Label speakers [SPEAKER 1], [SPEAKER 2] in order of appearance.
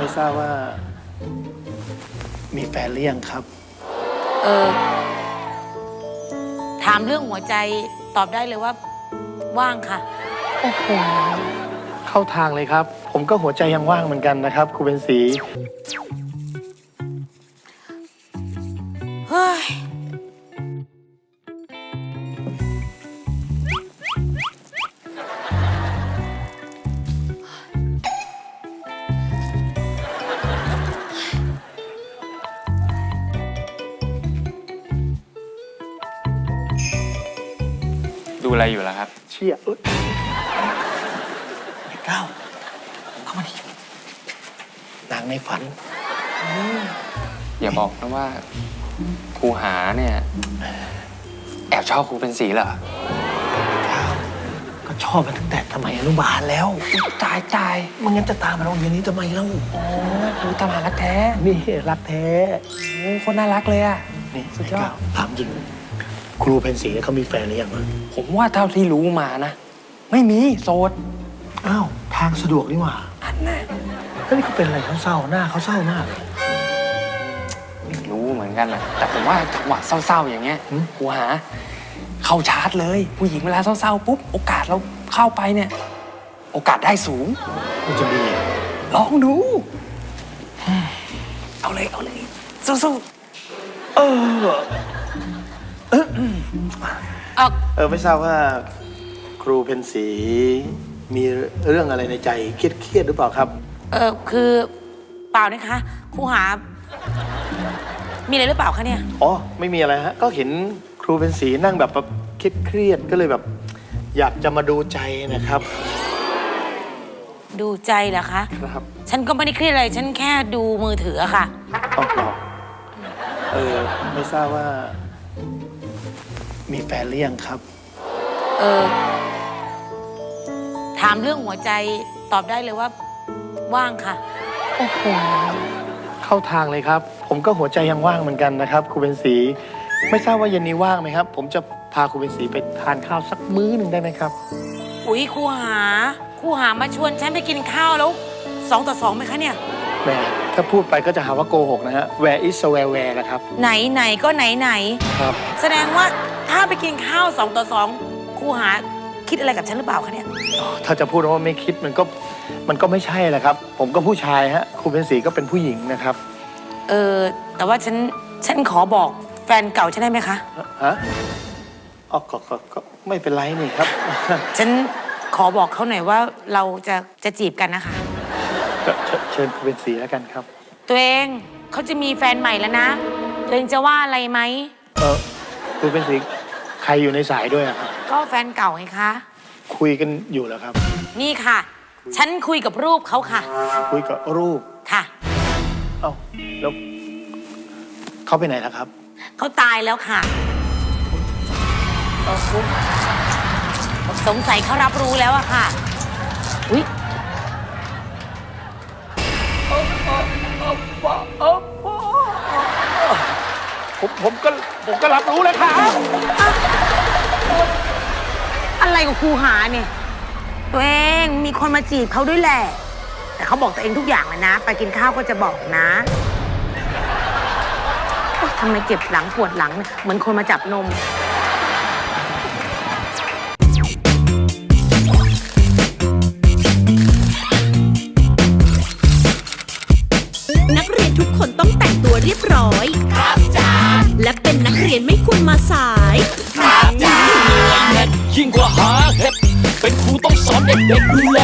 [SPEAKER 1] ไม่ทราบว่ามีแฟนหรือยังครับ
[SPEAKER 2] ถามเรื่องหัวใจตอบได้เลยว่าว่างค่ะ
[SPEAKER 1] โอ้โหเข้าทางเลยครับ ผมก็หัวใจยังว่างเหมือนกันนะครับครูเป็นศรี
[SPEAKER 2] เฮ้ย
[SPEAKER 3] ดูอะไรอยู่ล่ะครับ
[SPEAKER 1] เชี่ยก้าวเข้ามาดินางในฝัน
[SPEAKER 3] อย่าบอกนะว่าครูหาเนี่ยแอบชอบครูเป็นสีเหรอ
[SPEAKER 1] ก็ชอบมันตั้งแต่สมัยอนุบาลแล้วตายมันงั้นจะตามมาโรงเรียนนี้ทำไมเล่า
[SPEAKER 3] โอ้ครูตามหารักแท้
[SPEAKER 1] นี่รักแท้
[SPEAKER 3] โอ้คนน่ารักเลยอะ
[SPEAKER 1] นี่
[SPEAKER 3] สุดยอด
[SPEAKER 1] ไก้าวถามจริงครูเป็นศรีเขามีแฟนหรือยังวะ
[SPEAKER 3] ผมว่าเท่าที่รู้มานะ ไม่มีโสด
[SPEAKER 1] อ้าวทางสะดวกนี่หว่า
[SPEAKER 3] อันน่ะ
[SPEAKER 1] แล้วนี่เขาเป็นอะไรเขาเศร้าหน้าเขาเศร้ามากเลย
[SPEAKER 3] ไม่รู้เหมือนกันนะแต่ผมว่าจังหวะเศร้าๆอย่างเงี้ยครูหาเข้าชาร์จเลย ผู้หญิงเวลาเศร้าๆปุ๊บโอกาสเราเข้าไปเนี่ย โอกาสได้สูง
[SPEAKER 1] มันจะมี
[SPEAKER 3] ลองดู เอาเลยสู้
[SPEAKER 1] เออ
[SPEAKER 2] ๆ
[SPEAKER 1] ไม่ทราบว่าครูเพนศรีมีเรื่องอะไรในใจเครียดหรือเปล่าครับ
[SPEAKER 2] คือเปล่านะคะครูหา มีอะไรหรือเปล่าคะเนี่ย
[SPEAKER 1] อ๋อไม่มีอะไรฮะก็เห็นครูเพนศรีนั่งแบบเครียดก็เลยแบบ อยากจะมาดูใจนะครับ
[SPEAKER 2] ดูใจเหรอคะ
[SPEAKER 1] ครับ
[SPEAKER 2] ฉันก็ไม่ได้เครียดอะไร ฉันแค่ดูมือถืออะค่ะ
[SPEAKER 1] อ๋อไม่ทราบว่า มีแฟนหรือยังครับ
[SPEAKER 2] ถามเรื่องหัวใจตอบได้เลยว่าว่างค่ะ
[SPEAKER 1] โอ้โหเข้าทางเลยครับ ผมก็หัวใจยังว่างเหมือนกันนะครับครูเป็นศรีไม่ทราบว่าเย็นนี้ว่างไหมครับ ผมจะพาครูเป็นศรีไปทานข้าวสักมื้อหนึ่งได้ไหมครับ
[SPEAKER 2] อุ๊ยครูหามาชวนฉันไปกินข้าวแล้ว2-2ไหมคะเนี่ย
[SPEAKER 1] แหมถ้าพูดไปก็จะหาว่าโกหกนะฮะ Where is where นะครับ
[SPEAKER 2] ไหนก็ไหน
[SPEAKER 1] ครับ
[SPEAKER 2] แสดงว่าถ้าไปกินข้าว2-2ครูหาคิดอะไรกับฉันหรือเปล่าคะเนี่ย
[SPEAKER 1] ถ้าจะพูดว่าไม่คิดมันก็ไม่ใช่แหละครับ ผมก็ผู้ชายฮะครูเป็นศรีก็เป็นผู้หญิงนะครับ
[SPEAKER 2] แต่ว่าฉันขอบอกแฟนเก่าฉันได้ไหมคะ
[SPEAKER 1] ฮะอ๋อก็ไม่เป็นไรนี่ครับ
[SPEAKER 2] ฉันขอบอกเขาหน่อยว่าเราจะจีบกันนะคะ
[SPEAKER 1] ก็เชิญครูเป็นศรีแล้วกันครับ
[SPEAKER 2] ตัวเองเขาจะมีแฟนใหม่แล้วนะตัวเองจะว่าอะไรไหม
[SPEAKER 1] ครูเป็นศรีใครอยู่ในสายด้วยอะครับ
[SPEAKER 2] ก็แฟนเก่าไงคะ
[SPEAKER 1] คุยกันอยู่แล้วครับ
[SPEAKER 2] นี่ค่ะ ฉันคุยกับรูปเขาค่ะ
[SPEAKER 1] คุยกับรูป
[SPEAKER 2] ค่ะ
[SPEAKER 1] เอ้าแล้วเขาไปไหนแล้วครับ
[SPEAKER 2] เขาตายแล้วค่ะสงสัยเขารับรู้แล้วอะค่ะอุ๊ย
[SPEAKER 1] ผมก็รับรู้เลยครับ
[SPEAKER 2] อะไรกับครูหาเนี่ยตัวเองมีคนมาจีบเขาด้วยแหละแต่เขาบอกตัวเองทุกอย่างเลยนะ ไปกินข้าวก็จะบอกนะโอ๊ยทำไมเจ็บหลังปวดหลังเนี่ยเหมือนคนมาจับนม
[SPEAKER 4] นักเรียนทุกคนต้องแต่งตัวเรียบร้อย ครับจ้าและเป็นนักเรียนไม่ควรมาสาย
[SPEAKER 5] ยิ่งกว่าหาเห็ดเป็นครูต้องสอนเด็กๆดูแล